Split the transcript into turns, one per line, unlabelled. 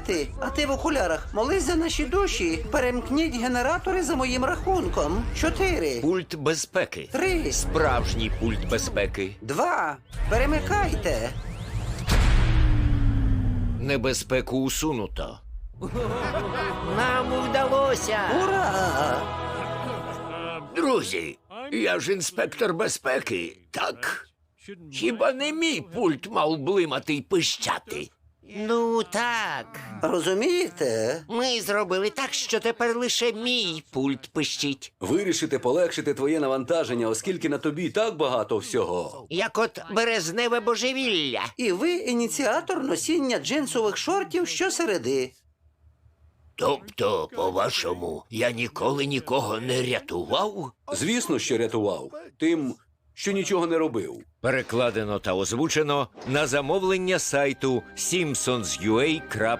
пістолети, а ти в окулярах. Молись за наші душі. Перемкніть генератори за моїм рахунком. 4.
Пульт безпеки.
3.
Справжній пульт безпеки.
2. Перемикайте.
Небезпеку усунуто.
Нам вдалося!
Ура!
Друзі, я ж інспектор безпеки, так? Хіба не мій пульт мав блимати й пищати?
Ну так.
Розумієте?
Ми зробили так, що тепер лише мій пульт пищить.
Вирішити полегшити твоє навантаження, оскільки на тобі так багато всього.
Як от березневе божевілля.
І ви ініціатор носіння джинсових шортів щосереди.
Тобто, по-вашому, я ніколи нікого не рятував?
Звісно, що рятував. Тим, що нічого не робив.
Перекладено та озвучено на замовлення сайту simpsons.ua.com